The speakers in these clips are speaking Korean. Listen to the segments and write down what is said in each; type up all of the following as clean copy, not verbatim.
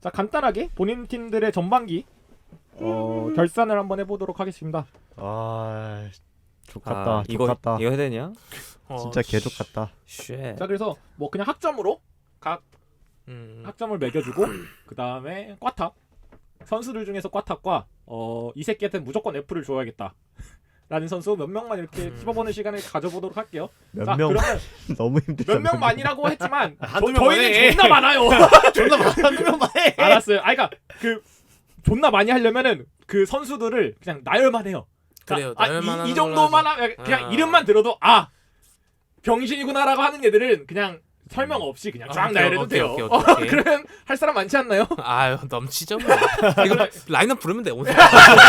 자 간단하게 본인 팀들의 전반기 결산을 한번 해보도록 하겠습니다. 아 좋겠다. 이거 해야 되냐? 진짜 개족 같다. 쉣. 자 그래서 뭐 그냥 학점으로 각 학점을 매겨주고 그 다음에 꽈탑 선수들 중에서 꽈탑과 이 새끼한테는 무조건 F를 줘야겠다 라는 선수 몇 명만 이렇게 찝어보는 시간을 가져보도록 할게요. 몇 자, 명 그러면 너무 힘들다. 몇 명만이라고 했지만 한두 저희는 명만 해. 존나 많아요. 존나 많은 명만 해. 알았어요. 아 그러니까 그 존나 많이 하려면은 그 선수들을 그냥 나열만 해요. 그래요. 그러니까 이 정도만 하면 그냥 이름만 들어도 아 병신이구나라고 하는 애들은 그냥 설명 없이 그냥 쫙 나열해도 돼요. 오케이. 그러면 할 사람 많지 않나요? 아유 넘치죠 뭐. 이거 라인업 부르면 돼 오늘.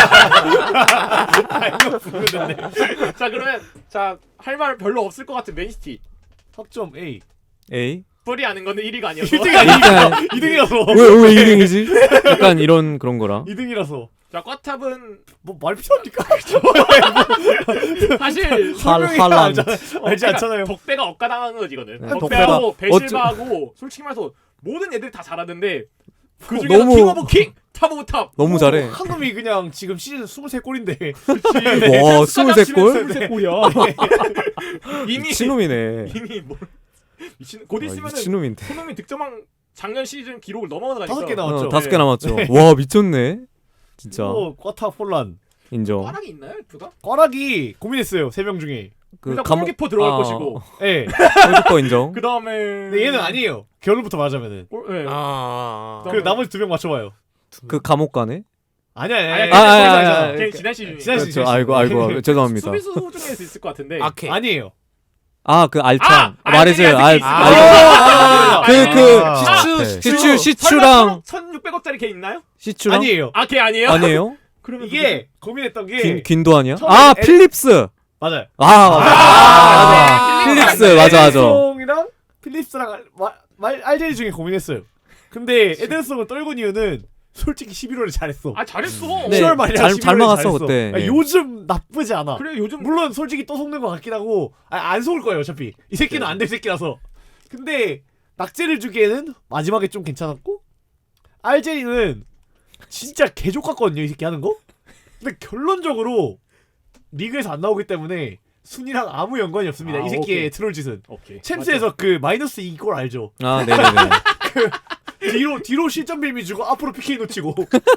자 그러면 자 할 말 별로 없을 것 같은 맨시티 학점 A. A. 뿔이 아는 거는 1위가 아니어서 1등이 아니야. 일단 2등이라서. 왜 2등이지? 약간 이런 그런 거라. 2등이라서. 자 꽈탑은 뭐 말 필요합니까? 사실 할란. 알지 않잖아요. 덕배가 억가당한 거지 이거는. 네, 덕배하고 덕배가 배실바하고 솔직히 말해서 모든 애들 다 잘하는데 그 중에서 너무- 킹 오브 킹! 탑 오브 탑! 너무 잘해. 한 놈이 그냥 지금 시즌 23골인데. 와, 23골? 23골이야. 이미 미친놈이네. 이미 뭐 미친 곧 아, 있으면은 미친놈인데. 손흥민 득점왕 작년 시즌 기록을 넘어가니까 5개 나왔죠. 5개 남았죠. 와, 미쳤네. 진짜 꽈타 폴란. 인정. 꽈락이 있나요? F가? 꽈락이 고민했어요. 3명 중에. 일단 골키퍼 들어갈 것이고 예. 골키퍼 인정. 그 다음에 근데 얘는 아니에요. 결론부터 말하자면은. 네. 그 나머지 2명 맞춰봐요. 그 감옥 가네. 아니야. 걔 지난 시즌 지난 시즌. 그렇죠. 알고 죄송합니다. 수비수 중에서 있을 것 같은데 아케. 아니에요. 아, 그 알창. 말해줘요. 알창이 시추랑 1600억짜리 걔 있나요? 시추랑 아니에요. 아 걔 아니에요? 아니에요? 그러면 이게 고민했던 게 귄도 아니야? 처음에 아, 필립스. 맞아요. 필립스 맞아. 에덴송이랑 필립스랑 알제리 중에 고민했어요. 근데 에덴송을 떨군 이유는 솔직히 11월에 잘했어. 아 잘했어. 네, 10월 말이야. 잘 막았어, 그때. 아, 예. 요즘 나쁘지 않아. 그래 요즘 물론 솔직히 또 속는 것 같긴 하고 안 속을 거예요 어차피. 이 새끼는 안 될 새끼라서. 근데 낙제를 주기에는 마지막에 좀 괜찮았고 알제리는 진짜 개족 같거든요 이 새끼 하는 거. 근데 결론적으로 리그에서 안 나오기 때문에 순위랑 아무 연관이 없습니다. 이 새끼의 오케이. 트롤 짓은. 오케이. 챔스에서 그 마이너스 2골 알죠? 아, 네네네. 뒤로 실점 빌미 주고 앞으로 PK 놓치고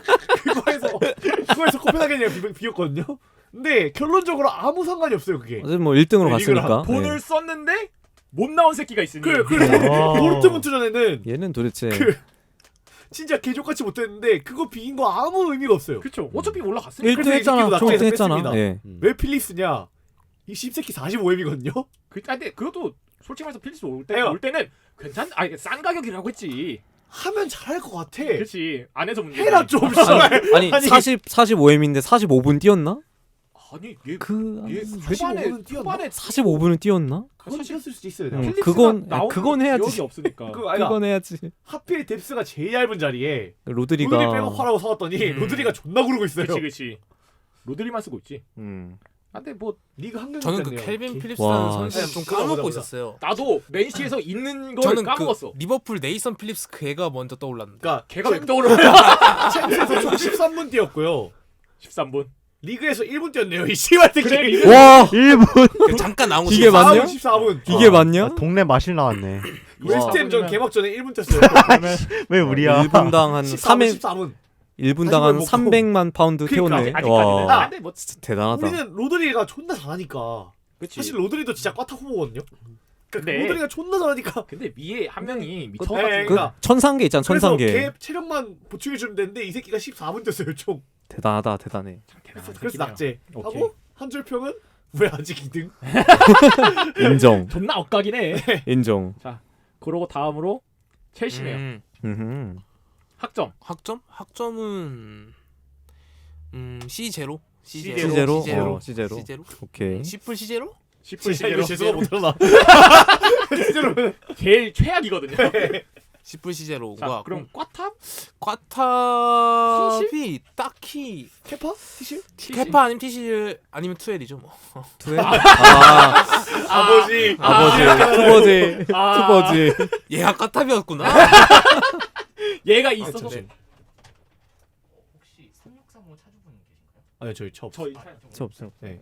그거에서 코펜하겐이랑 비겼거든요. 근데 결론적으로 아무 상관이 없어요 그게. 어쨌든 뭐 1등으로 네, 갔으니까. 돈을 썼는데 못 나온 새끼가 있으니. 도르트문트전에는 얘는 도대체 진짜 개족같이 못했는데 그거 비긴 거 아무 의미가 없어요. 그렇죠. 어차피 올라갔으니까. 1등 했잖아. 총 1등 했잖아. 뺐습니다. 예. 왜 필립스냐? 이 씹새끼 45M이거든요. 근데 그것도 솔직히 말해서 필리스 올 에요. 때는 싼 가격이라고 했지. 하면 잘할 것 같아. 그렇지. 안에서 문제. 해라 좀. 아니 45M인데 45분 뛰었나? 아니 얘 예, 초반에 45분은 뛰었나? 그건 뛰었을 수도 있어요. 응. 필립스가 그건 나오는 해야지. 기억이 없으니까. 그건 해야지. 하필 뎁스가 제일 얇은 자리에 로드리 로드리가 백업하라고 사왔더니 로드리가 존나 구르고 있어요. 그렇지. 로드리만 쓰고 있지. 근데 뭐 리그 한 경기 저는 그 됐네요. 켈빈 와, 필립스라는 선수를 좀 보자, 까먹고 보자. 있었어요. 나도 맨시티에서 있는 걸 저는 까먹었어. 그 리버풀 네이선 필립스 그 애가 먼저 떠올랐는데. 그러니까 걔가 왜 떠오르냐? 챔스에서 총 13분 뛰었고요. 13분. 리그에서 1분 뛰었네요. 이 씨발 새끼. 그래, 와, 1분. 그 잠깐 나온 거 이게 맞냐? 14분. 이게 맞냐? 동네 마실 나왔네. 웨스트햄전 개막 전에 1분 뛰었어요. 왜 우리야? 1분당 한 14분, 3회 14분. 1분당 한 300만 파운드 그러니까, 태웠네. 아직까지는. 와, 근데 뭐 진짜 대단하다. 우리는 로드리가 존나 잘하니까. 그치. 사실 로드리도 진짜 꽈타 후보거든요. 그러니까 네. 로드리가 존나 잘하니까. 근데 위에 한 명이 네, 미쳐가지고. 그 그러니까. 천상계 있잖아. 그래서 천상계. 걔 체력만 보충해주면 되는데 이 새끼가 14분 뛰었어요 총. 대단하다. 대단해. 그래서 낙제 오케이. 하고 한 줄 평은 왜 아직 2등? 인정. 존나 엇가긴 해. 인정. 그러고 다음으로 첼시네요. 음흠. 학점. 학점은 C0. C제로. C제로. C제로. C제로. 오케이. 10불 C제로? 10분 진짜 이거 재수가 못 일어나. 제일 최악이거든요. 10불 C제로. 자, 그럼 꽈탑? 꽈탑이 딱히 케파? 티실? 케파 아니면 티실 아니면 투엘이죠 뭐. 투에? 아, 아버지. 아버지. 투버지. 투버지. 얘가 꽈탑이었구나. 얘가 있어서 네. 혹시 3635 차주분 계신가요? 아니 저희 저 저희 저 없어요. 네.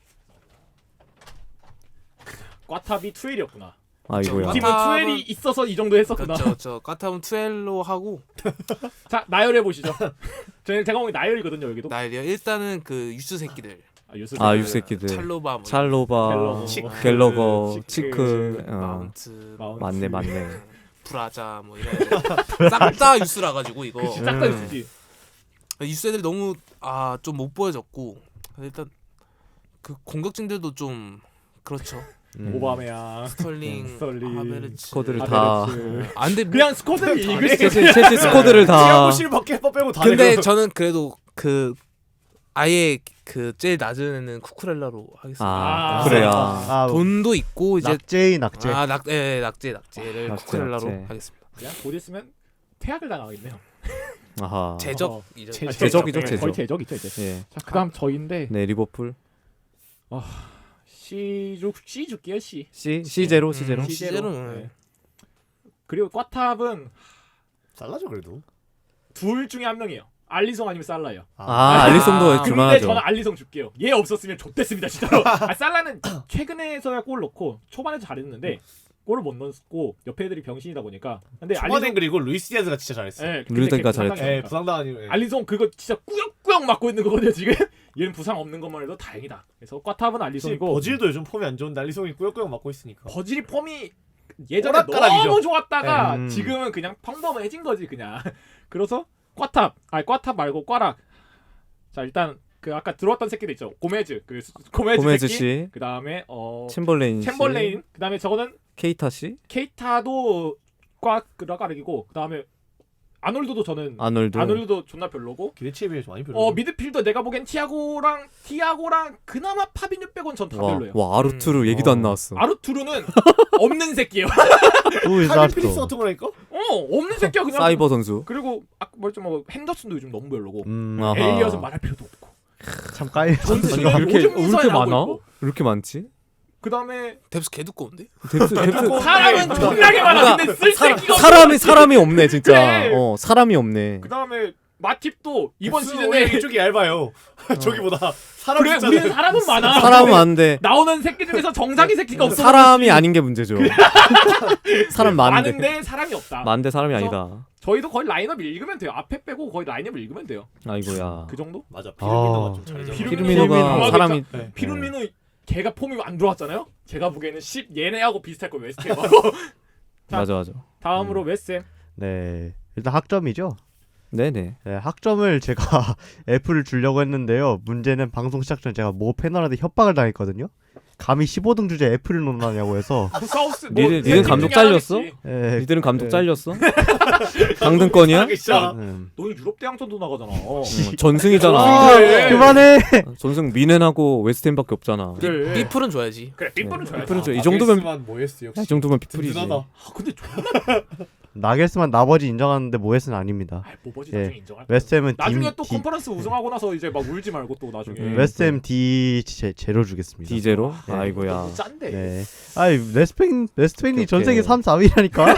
꽈탑이 투엘이었구나. 아이고야. 팀은 꽈탑은- 투엘이 있어서 이 정도 했었구나. 그렇죠. 저 까타면 투엘로 하고 자 나열해 보시죠. 제가 보기 나열이거든요 여기도. 나일이요. 일단은 그 유스 새끼들. 유스 아 유새끼들. 찰로바 뭐 찰로바, 갤러거, 갤러거, 치크, 치크, 마운트, 마운트. 맞네. 브라자 뭐 이런 싹 다 유스라 가지고 이거 그치 싹다 유스지. 유스 애들이 너무 좀 못 보여졌고 일단 그 공격진들도 좀 그렇죠. 오바메양, 스털링, 스털링, 하베르츠, 스쿼드를 다- 하베르츠. 안돼 뭐, 그냥 스쿼드를 이길 수 있어. 첼시 스쿼드를 다. 티아고 실바밖에 빼고 다 근데 내고. 저는 그래도 그 아예 그 제일 낮은 애는 쿠쿠렐라로 하겠습니다. 아, 아, 그래야. 아, 돈도 있고 이제 낙제이 낙제. 낙제를 낙제, 쿠쿠렐라로 낙제. 하겠습니다. 그냥 곧 있으면 퇴학을 당하겠네요. 아하. 제적이죠. 제적이죠, 네, 제적. 거의 제적이죠 이제. 예. 자 그다음 저인데 네 리버풀. C 줄게요 C. C제로. C제로. C제로는 네. 그리고 꽈탑은 잘라죠 그래도. 둘 중에 한 명이에요. 알리송 아니면 살라요. 아 알리송도 아, 근데 줄만하죠. 저는 알리송 줄게요. 얘 없었으면 좆됐습니다 진짜로. 살라는 최근에서야 골 넣고 초반에도 잘했는데 골을 못 넣었고 옆에 애들이 병신이다 보니까. 근데 초반엔 그리고 루이스 디아즈가 진짜 잘했어요. 네, 루이스가 잘했죠. 예, 부상당 아니면. 알리송 그거 진짜 꾸역꾸역 맞고 있는 거거든요 지금. 얘는 부상 없는 것만 해도 다행이다. 그래서 꽈탑은 알리송이고 버질도 요즘 폼이 안 좋은데 알리송이 꾸역꾸역 맞고 있으니까. 버질이 폼이 예전에 오락가락이죠. 너무 좋았다가 네. 지금은 그냥 평범해진 거지 그냥. 그래서 꽈탑 말고 꽈락. 자 일단 그 아까 들어왔던 새끼들 있죠. 고메즈 고메즈 새끼. 씨, 그 다음에 챔벌레인 씨, 챔벌레인. 그 다음에 저거는 케이타 씨, 케이타도 꽈락이고 그 다음에 아놀드도 저는 아놀드. 아놀드도 존나 별로고. 기대치에 비해 좀 많이 별로. 미드필더 내가 보기엔 티아고랑 그나마 파비뉴 빼곤 전 다 별로예요. 와 아루투르 얘기도 어. 안 나왔어. 아르투르는 없는 새끼예요. 또 칼빈 필립스 이사또. 같은 거라니까? 없는 새끼야 그냥. 사이버 선수. 그리고 아까 뭐였죠 뭐 핸더슨도 요즘 너무 별로고. 아하. 엘리엇은 말할 필요도 없고. 참 까이. 전술이 아니, 이렇게 오줌 이렇게 문서에 많아? 나오고 있고. 이렇게 많지? 그다음에 뎁스 개 두꺼운데? 뎁스 사람은 존나게 많아. 근데 쓸 새끼가 사람이 없네 진짜. 그래. 사람이 없네. 그다음에 마팁도 이번 오히려 시즌에 이쪽이 얇아요. 저기보다 사람 그래 숫자는 우리는 사람은 많아. 사람은 많은데 나오는 새끼 중에서 정상이 새끼가 없어. 사람이 아닌 게 문제죠. 사람 많은데 많은데 사람이 없다. 많은데 사람이 아니다. 저희도 거의 라인업 읽으면 돼요. 앞에 빼고 거의 라인업 읽으면 돼요. 아이고야. 그 정도? 맞아. 피르미노가 아. 좀 잘해줘. 피르미노가 피르미노가 사람이 네. 피루미노 걔가 폼이 안 들어왔잖아요. 제가 보기에는 10 얘네하고 비슷할 거예요. 웨스트햄하고. 자. 맞아. 다음으로 웨스트햄. 네. 일단 학점이죠. 네네. 네, 학점을 제가 F를 주려고 했는데요. 문제는 방송 시작 전에 제가 모 패널한테 협박을 당했거든요. 감히 15등 주제에 F를 논하냐고 해서. 사우스 니들 감독 잘렸어? 예, 니들은 감독 네. 잘렸어? 강등권이야? 진짜. 너희 유럽 대항전도 나가잖아. 전승이잖아. 아, 그래. 그만해. 전승 미넨하고 웨스트햄밖에 없잖아. 그래. 삐풀은 줘야지. 그래 삐뿔은 줘야지. 삐뿔은 줘. 이 정도면 모에스 역시. 이 정도면 비풀이지. 든든하다. 아, 근데 존나 나겔스만 나머지 인정하는데 모에스는 아닙니다. 뭐버지 예. 나중에 인정할 거야. 웨스트햄은 나중에 또 컨퍼런스 우승하고 나서 이제 막 울지 말고 또 나중에 웨스트햄 D 제로 주겠습니다. D제로? 네. 아이고야. 너무 짠데. 네. 아이 웨스트햄이 전 오케이. 세계 3, 4위라니까.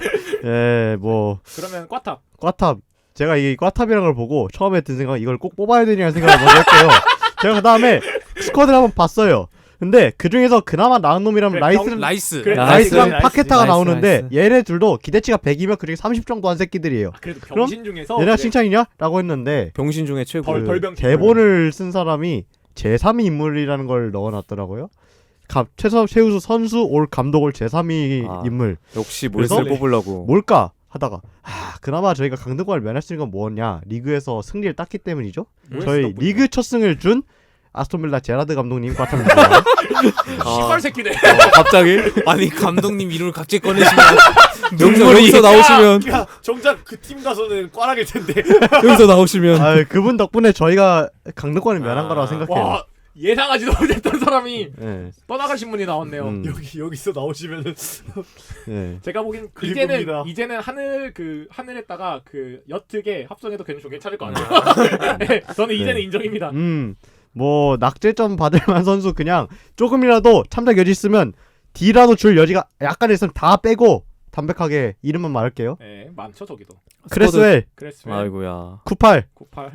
예, 뭐 그러면 꽈탑. 꽈탑. 제가 이 꽈탑이라는 걸 보고 처음에 든 생각 이걸 꼭 뽑아야 되냐는 생각을 먼저 했고요. 제가 그 다음에 스쿼드를 한번 봤어요. 근데 그 중에서 그나마 나은 놈이라면 그래, 라이스는 라이스. 그래. 라이스랑 라이스, 파케타가 라이스, 나오는데 라이스. 얘네 둘도 기대치가 100이면 그중에 30 정도 한 새끼들이에요. 그래도 병신 중에서 얘네가 이제 칭찬이냐? 라고 했는데 병신 중에 최고. 벌- 그 벌병신. 대본을 쓴 사람이 제3위 인물이라는 걸 넣어놨더라고요. 최우수 선수 올 감독을 제3위 아. 인물 역시 모에스를 그래서 뽑으려고. 뭘까 하다가 그나마 저희가 강등권을 면할 수 있는 건 뭐냐, 리그에서 승리를 땄기 때문이죠. 저희 리그 첫 승을 준 아스톤빌라 제라드 감독님 과탐입니다. 시발 새끼네. 갑자기 아니 감독님 이름을 갑자기 꺼내시면 여기서 나오시면 야, 정작 그 팀 가서는 꽈락일 텐데. 여기서 나오시면 아, 그분 덕분에 저희가 강등권을 면한 거라고 생각해요. 와 예상하지도 못했던 사람이 예. 떠나가신 분이 나왔네요. 음. 여기서 나오시면은 예. 제가 보기엔 그리고입니다. 이제는 하늘에다가 그 여특에 합성해도 괜찮을 것 같아요. 네, 저는 이제는 네. 인정입니다. 뭐 낙제점 받을 만한 선수 그냥 조금이라도 참작 여지 있으면 D라도 줄 여지가 약간 있으면 다 빼고 담백하게 이름만 말할게요. 네, 많죠 저기도. 크레스웰, 크레스웰, 아이고야. 쿠팔, 98.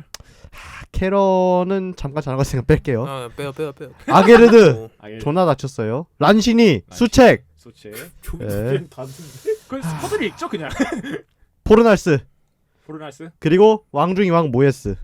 캐런은 잠깐 지나갔으니까 뺄게요. 빼요. 아게르드, 아, 존나 다쳤어요. 란시니, 수책, 수체. 네. 그 스쿼드리 있죠 그냥. 포르날스, 포르날스. 그리고 왕중이 왕 모예스.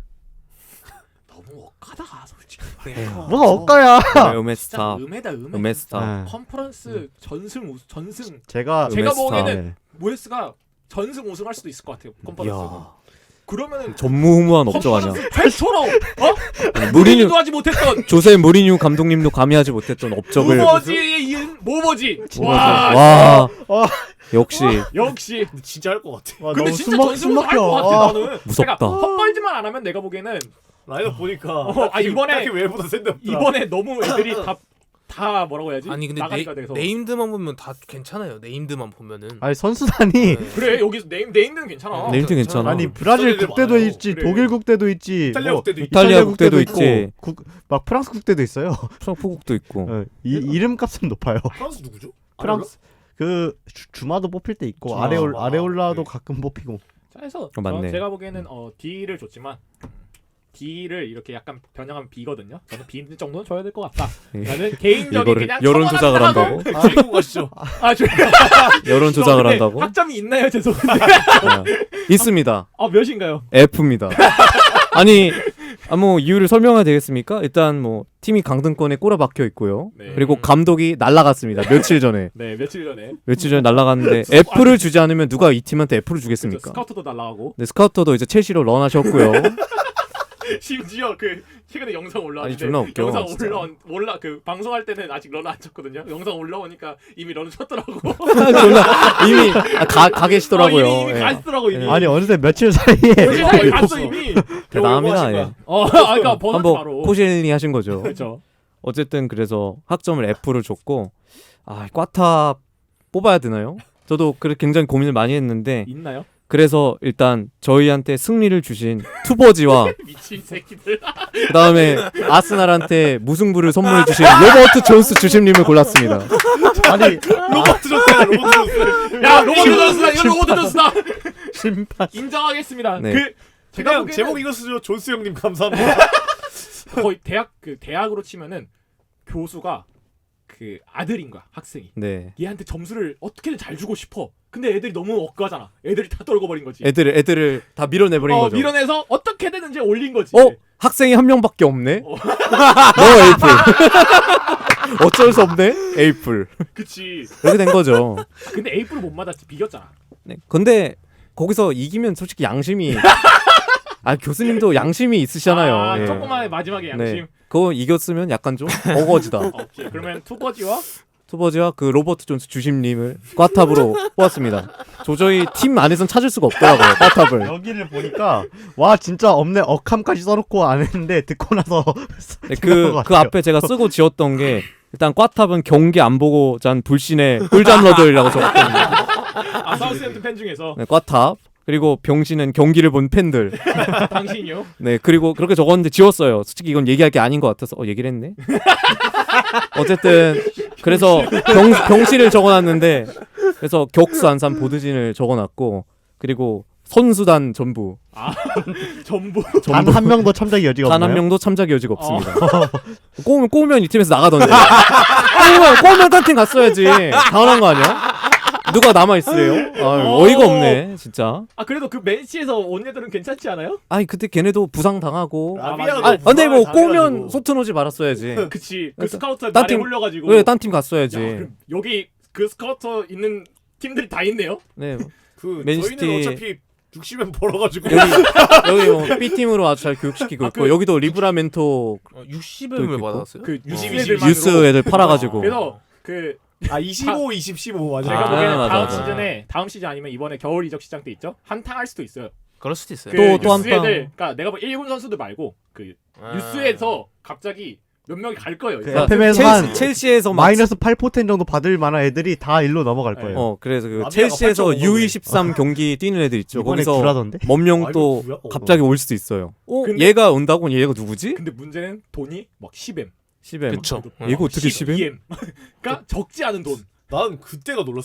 너무 억하다 솔직히. 뭐가 억가야? 진짜 음에스타. 음해다. 음에스타. 네. 컨퍼런스 전승. 제가 제가 음에스타. 보기에는 네. 모예스가 전승 우승할 수도 있을 것 같아요. 컨퍼런스. 야. 그러면은 전무후무한 업적 아니야. 최초로 무리뉴 무리뉴도 하지 못했던 조세 무리뉴 감독님도 감히하지 못했던 업적을. 모버지에 이은 모버지. 와. 역시 역시. 근데 진짜 할 것 같아. 와, 근데 너무 진짜 전승을 할것 같아 나는. 무섭다. 그러니까 헛발질만 안 하면 내가 보기에는 라인업 보니까 이번에 딱히 외보다 센데 없다. 이번에 너무 애들이 다 뭐라고 해야지? 아니 근데 나가니까 돼서. 네임드만 보면 다 괜찮아요. 네임드만 보면은. 아니 선수단이 네. 그래 여기서 네임드는 괜찮아. 네임드 괜찮아. 아니 브라질 선수들이 국대도 많아요. 있지, 그래. 독일 국대도 있지, 이탈리아 뭐 국대도 있고. 이탈리아 국대도 있지. 막 프랑스 국대도 있어요. 프랑크푸국도 있고. 어, 이름값은 높아요. 프랑스 누구죠? 프랑스 그 주마도 뽑힐 때 있고 주마. 아레올라도 네. 가끔 뽑히고. 자 해서 맞네. 제가 보기에는 D를 줬지만 D를 이렇게 약간 변형하면 B거든요. 저는 B 정도는 줘야 될 것 같다. 저는 개인적인 이거를 그냥 여론 첨언한 조작을 생각을- 한다고? 알고 가시죠. 저 여론 조작을 근데 한다고? 학점이 있나요? 죄송한데. 아, 있습니다. 몇인가요? F입니다. 아니, 뭐 이유를 설명해야 되겠습니까? 일단 뭐 팀이 강등권에 꼬라박혀 있고요. 네. 그리고 감독이 날라갔습니다. 며칠 전에. 네 며칠 전에 며칠 전에 날라갔는데 F를 주지 않으면 누가 이 팀한테 F를 주겠습니까? 스카우트도 날라가고 네, 스카우터도 이제 첼시로 런하셨고요. 심지어 그 최근에 영상 아니 올라왔는데 존나 웃겨. 영상 진짜. 올라 그 방송할 때는 아직 런을 안 쳤거든요. 영상 올라오니까 이미 런을 쳤더라고. 존나 이미 가 계시더라고요. 이미 예. 갔더라고 이미. 아니 어느새 며칠 사이에 며칠 사이에 이거 갔어 없어. 이미. 대단합니다. 예. 그러니까 번호 한번 바로. 포실니 하신 거죠. 그렇죠. 어쨌든 그래서 학점을 F를 줬고 꽈탑 뽑아야 되나요? 저도 굉장히 고민을 많이 했는데 있나요? 그래서 일단 저희한테 승리를 주신 투버지와 미친 새끼들. 그 다음에 아스날한테 무승부를 선물해 주신 로버트 존스 주심님을 골랐습니다. 아니 로버트 존스야 로버트 존스. 야 로버트 존스다. 이거 로버트 존스다. 심판 인정하겠습니다. 네. 그 제가 그냥 보기에는 제목 이거 쓰죠. 존스 형님 감사합니다. 거의 대학으로 치면은 교수가 그 아들인 거야 학생이. 네. 얘한테 점수를 어떻게든 잘 주고 싶어. 근데 애들이 너무 억까잖아. 애들이 다 떨궈버린 거지. 애들을 다 밀어내버린 거죠. 밀어내서 어떻게든지 올린 거지. 학생이 한 명밖에 없네. 어. 너 에이플. 어쩔 수 없네. 에이플. 그치. 이렇게 된 거죠. 근데 에이프를 못 맞았지. 비겼잖아. 네. 근데 거기서 이기면 솔직히 양심이 교수님도 양심이 있으시잖아요. 예. 조그마한 마지막에 양심. 네. 그거 이겼으면 약간 좀 어거지다. 오케이. 그러면 투버지와 투버지와 그 로버트 존스 주심님을 꽈탑으로 뽑았습니다. 도저히 팀 안에선 찾을 수가 없더라고요. 꽈탑을. 여기를 보니까 와 진짜 없네. 억함까지 써놓고 안 했는데 듣고 나서 네, 생각한 것 그 같아요. 앞에 제가 쓰고 지었던 게 일단 꽈탑은 경기 안 보고 잔 불신의 꿀잠러들이라고 적었거든요. 사우스햄튼 팬 중에서 네, 꽈탑. 그리고 병신은 경기를 본 팬들. 당신이요. 네, 그리고 그렇게 적었는데 지웠어요. 솔직히 이건 얘기할 게 아닌 것 같아서 얘기를 했네. 어쨌든 그래서 병신을 적어놨는데 그래서 격수 안산 보드진을 적어놨고 그리고 선수단 전부 전부. 단 한 명도 참작의 여지가 없나요? 단 한 명도 참작의 여지가 없습니다. 꼬우면 이 팀에서 나가던데. 꼬우면 딴 팀 갔어야지. 당연한 거 아니야? 누가 남아 있으래요? 어이가 없네, 진짜. 그래도 그 맨시에서 온 애들은 괜찮지 않아요? 아니 그때 걔네도 부상 당하고. 라비아가 근데 뭐 부상을 꼬우면 당해가지고. 소트노지 말았어야지. 그치. 그 스카우터 딴 날에 팀- 홀려가지고. 왜 딴 팀 야, 갔어야지. 그럼 여기 그 스카우터 있는 팀들이 다 있네요. 네. 그 맨시티- 저희는 어차피 60엔 벌어가지고 여기 뭐 B 팀으로 아주 잘 교육시키고 있고 그- 여기도 리브라멘토 60을 있고. 받았어요? 그 유스 20, 애들만으로. 유스 애들 팔아가지고. 그래서 그 25, 20, 15 맞아. 제가 아, 보기에는 맞아, 다음 맞아. 시즌에 다음 시즌 아니면 이번에 겨울 이적 시장 때 있죠? 한탕 할 수도 있어요. 그럴 수도 있어요. 그 또 유스 한 탕. 애들, 그러니까 내가 뭐 1군 선수들 말고 그 유스에서 갑자기 몇 명이 갈 거예요. 그 그래서 FM에서 한 첼시에서 막 마이너스 8포텐 정도 받을 만한 애들이 다 일로 넘어갈 네. 거예요. 그래서 그 라비아가 첼시에서 8.5 U23 경기 뛰는 애들 있죠. 이번에 거기서 굴하던데? 멈용 또 아이고, 구야? 갑자기 올 수도 있어요. 근데- 얘가 온다고? 얘가 누구지? 근데 문제는 돈이 막 10M, 10M. 그쵸. 이거 어떻게 10M? 12M. 그러니까 적지 않은 돈. 난 그때가 놀랐어요.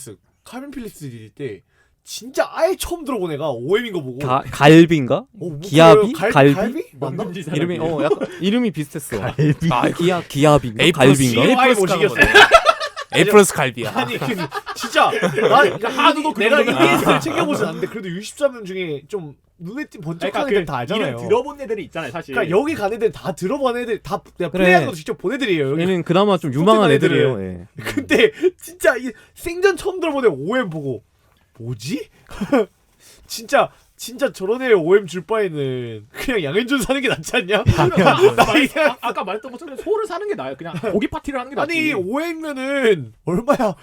칼빈 필립스 이길 때 진짜 아예 처음 들어본 애가 OM인 거 보고 갈비인가? 뭐 기아비? 그래요? 갈비? 맞나? 뭔지 이름이 약간 이름이 비슷했어. 갈비. 기아비인가? A 갈비인가? 플러스 아예 A 못 플러스 이겼어. A 플러스 갈비야. 아니 진짜 나 하나도 내가 EBS를 챙겨보진 않는데 그래도 63명 중에 좀 눈에 띈 번쩍하는 그러니까 애들 다 알잖아요. 이름 들어본 애들이 있잖아요, 사실. 그러니까 여기 간 애들 다 들어본 애들 다 내가 그래. 플레이하는 것도 직접 본 애들이에요. 여기. 얘는 그나마 좀 유망한 애들은. 애들이에요. 예. 근데 진짜 이 생전 처음 들어본 애 OM 보고 뭐지? 진짜 저런 애 OM 줄 바에는 그냥 양현준 사는 게 낫지 않냐? 아까 말했던 것처럼 소를 사는 게 나아요. 그냥 고기 파티를 하는 게 낫지. 아니 OM면은 얼마야?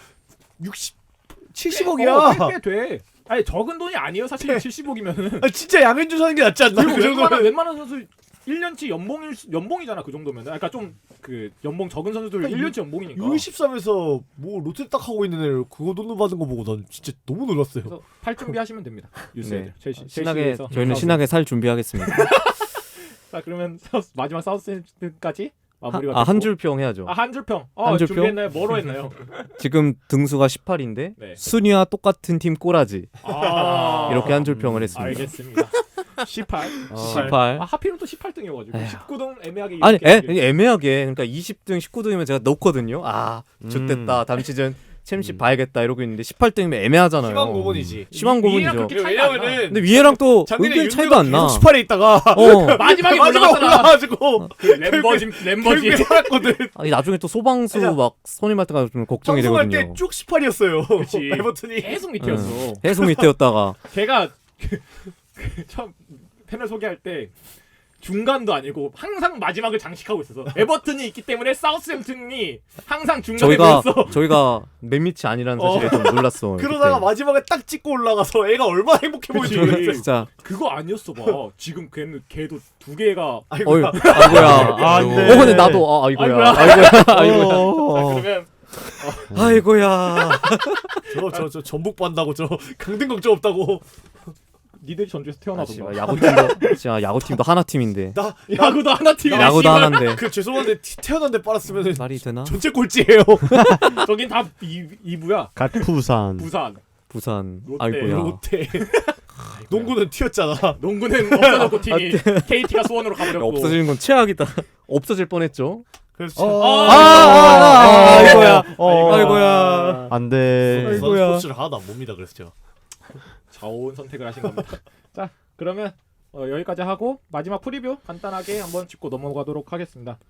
70억이야. 꽤 돼. 아니 적은 돈이 아니에요, 사실 70억이면은. 아, 진짜 양현준 사는 게 낫지 않나? 그리고 그 정도면. 웬만한 선수 1년치 연봉이잖아, 그 정도면. 그러니까 좀 그 연봉 적은 선수들 그러니까 1년치 연봉이니까. U13에서 뭐 롯데 딱 하고 있는 애를 그거 돈도 받은 거 보고 난 진짜 너무 놀랐어요. 그래서 팔 준비하시면 됩니다. 유스애들. 네. 신나게 저희는 싸우세요. 신나게 살 준비하겠습니다. 자, 그러면 마지막 사우스까지 마무리가 한 됐고. 줄 평 해야죠. 한 줄평. 한 줄평? 준비했나요? 뭐로 했나요? 지금 등수가 18인데 네. 순위와 똑같은 팀 꼬라지. 아, 이렇게 한 줄 평을 했습니다. 알겠습니다. 18. 18. 하필은 또 18등이어가지고 에휴. 19등 애매하게. 아니 이렇게 애매하게 그러니까 20등 19등이면 제가 넣거든요. 좋됐다. 다음 시즌 챔십 봐야겠다 이러고 있는데 18등이면 애매하잖아요. 희망 고문이지. 심한 위에랑 고문이죠. 그렇게 차이가 안 나. 왜냐면은 근데 위에랑 또 작년에 의견 차이도 안 나. 18에 있다가 마지막에 마지막 올라갔잖아. 올라가가지고 그 램버지. 결국에 살았거든. 아니 나중에 또 소방수 아니야. 막 선임할 때가 좀 걱정이 방송할 되거든요. 때 쭉 18이었어요. 그치. 에버튼이. 계속 밑이었어. 해송 밑에였다가 걔가 처음 패널 소개할 때 중간도 아니고 항상 마지막을 장식하고 있어서 에버튼이 있기 때문에 사우스햄튼이 항상 중간에 보였어. 저희가 맨 밑이 아니라는 사실에 좀 놀랐어. 그러다가 그때. 마지막에 딱 찍고 올라가서 애가 얼마나 행복해 보이는지 그치. 모르겠어요. 진짜 그거 아니었어 봐. 지금 걔도 두 개가. 아이고. 어이 아이고야. 안 돼. 근데 나도 아이고야. 그러면 아이고야. 저 전북 반다고 저 강등 걱정 없다고. 니들이 전주에서 태어나던가. 야구팀도 하나 팀인데. 나 야구도 하나 팀이야. 야구도 씨발. 하나인데 그 죄송한데 태어난데 빨았으면은 말이 되나? 전체 꼴찌예요. 저긴 다 2부야. 갓부산. 부산. 부산. 롯데, 아이고야. 롯데. 농구는 튀었잖아. 농구는 없어졌고 팀이 KT가 수원으로 가버렸고. 없어지는 건 최악이다. 없어질 뻔했죠. 그래서 아이고야. 어. 아이고야. 안 돼. 아이고야. 스포츠를 하나도 안 봅니다. 그래서 제가. 좋은 선택을 하신 겁니다. 자, 그러면 여기까지 하고 마지막 프리뷰 간단하게 한번 짚고 넘어가도록 하겠습니다.